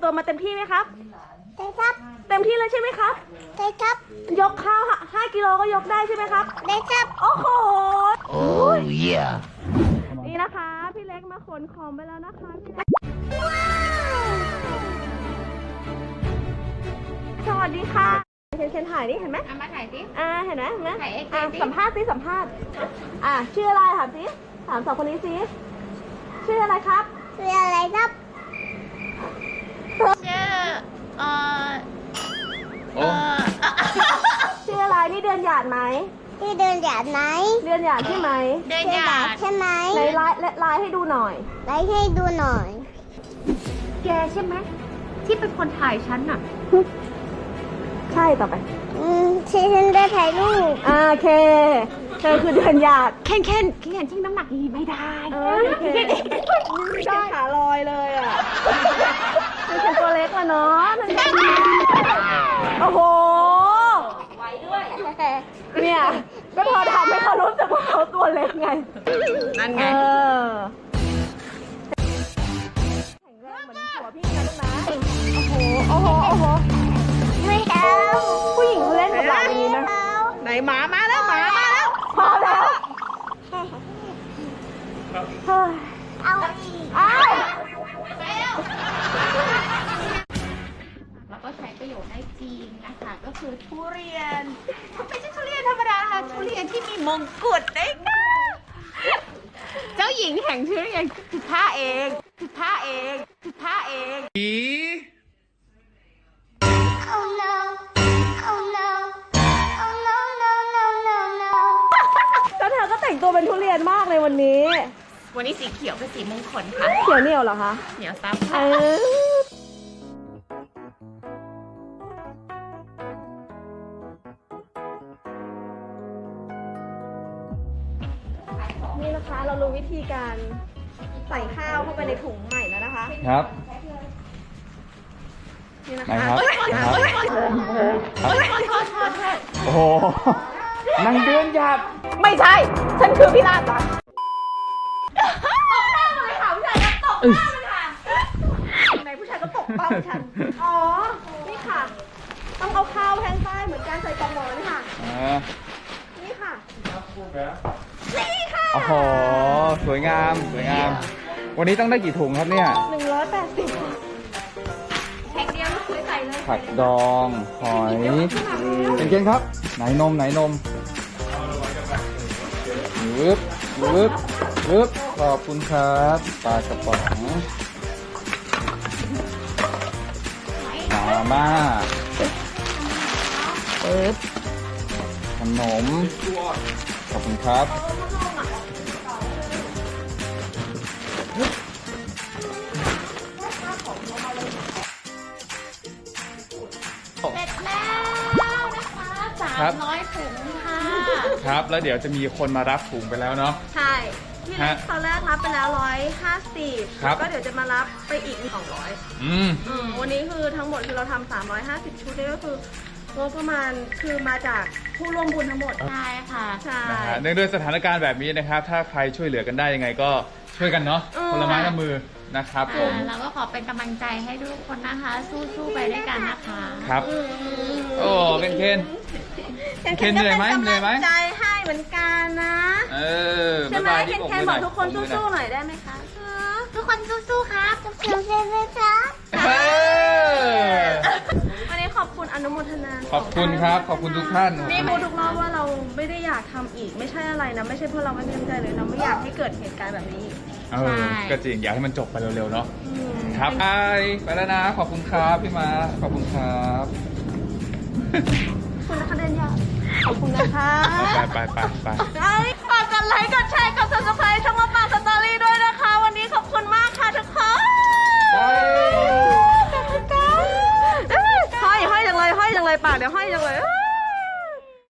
มมาเต็มที่ไหมครับใช่ครับเต็มที่เลยใช่ไหมครับใช่ครับยกข้าว5 กิโลก็ยกได้ใช่ไหมครับได้ครับโอ้โหโอ้ยนี่นะคะพี่เล็กมาขนของไปแล้วนะคะพี่เล็กสวัสดีค่ะเคนถ่ายนี่เห็นไหมมาถ่ายสิเห็นไหมถ่ายเอ็กซ์สัมภาษณ์สิสัมภาษณ์ชื่ออะไรถามสิถามสองคนนี้สิชื่ออะไรครับชื่ออะไรครับชื่อชื่ออะไรนี่เดือนหยาดไหมที่เดินหยาดไหมเดือนหยาดใช่ไหมเดินหยาดใช่ไหมในไลน์ให้ดูหน่อยไลน์ให้ดูหน่อยแกใช่ไหมที่เป็นคนถ่ายฉันน่ะใช่ต่อไปที่ฉันได้ถ่ายรูปโอเคเธอคือเดือนหยาดเคนทิ้งน้ำหนักดีไม่ได้ได้ขาลอยเลยอ่ะเป็นตัวเล็กอะเนาะโอ้โหไว้ด้วยเนี่ยก็พอทำให้เขารู้สึกว่าเขาตัวเล็กไงนั่นไงแข็งแรงเหมือนหัวพี่นะลูกนะโอ้โหไม่เอาผู้หญิงเขาเล่นกับหลานอย่างนี้นะไหนหมามาแล้วพอแล้วเอาอีกแล้วก็ใช้ประโยชน์ได้จริงนะคะก็คือทุเรียนไม่ใช่ทุเรียนธรรมดาค่ะทุเรียนที่มีมงกุฎได้ค่ะเจ้าหญิงแห่งทุเรียนคือข้าเองOh no Oh no Oh no no no no no แล้วเธอก็แต่งตัวเป็นทุเรียนมากเลยวันนี้สีเขียวเป็นสีมงคลค่ะเขียวเหนียวเหรอคะเหนียวซับนี่นะคะเรารู้วิธีการใส่ข้าวเข้าไปในถุงใหม่แล้วนะคะครับนี่นะคะครับโอ้โหนางเดือนหยาดไม่ใช่ฉันคือพี่ลาตาตบหน้าเลยค่ะผู้ชายก็ตบหน้าเลยค่ะในผู้ชายก็ตบเป้าฉันอ๋อนี่ค่ะต้องเอาข้าวแทงใต้เหมือนการใส่กล่องหมอนนี่ค่ะนี่ค่ะนี่ค่ะโอ้โหสวยงามวันนี้ต้องได้กี่ถุงครับเนี่ย 180แพ็คเดียวไม่ใส่เลยผักดองหอยเป็นเกณฑ์ครับไหนนมวึบขอบคุณครับปลากระป๋องมาม่าขนมขอบคุณครับเสร็จแล้วนะคะ300 ถุงค่ะครับแล้วเดี๋ยวจะมีคนมารับถุงไปแล้วเนาะใช่พี่เล็กตอนแรกรับไปแล้ว150แล้วก็เดี๋ยวจะมารับไปอีก200วันนี้คือทั้งหมดคือเราทำ350 ชุดนี่ก็คืองบประมาณคือมาจากผู้ร่วมบุญทั้งหมดใช่ค่ะใช่เนื่องด้วยสถานการณ์แบบนี้นะครับถ้าใครช่วยเหลือกันได้ยังไงก็ช่วยกันเนาะคนละไม้ละมือนะครับผมเราก็ขอเป็นกำลังใจให้ทุกคนนะคะสู้ๆไปด้วยกันนะคะครับโอ้เป็นเคนเหนื่อยไหมใจให้เหมือนกันนะใช่ไหมเคนบอกทุกคนสู้ๆหน่อยได้ไหมคะทุกคนสู้ๆครับทุกคนสู้ๆครับวันนี้ขอบคุณอนุโมทนาขอบคุณครับขอบคุณทุกท่านนี่พูดทุกรอบว่าเราไม่ได้อยากทำอีกไม่ใช่อะไรนะไม่ใช่เพราะเราไม่มีน้ำใจเลยเราไม่อยากให้เกิดเหตุการณ์แบบนี้ก็จริงอยากให้มันจบไปเร็วๆเนาะครับไปแล้วนะขอบคุณครับพี่มาขอบคุณครับคุณนะคะเดินยาวขอบคุณนะคะไปฝากกดไลค์กดแชร์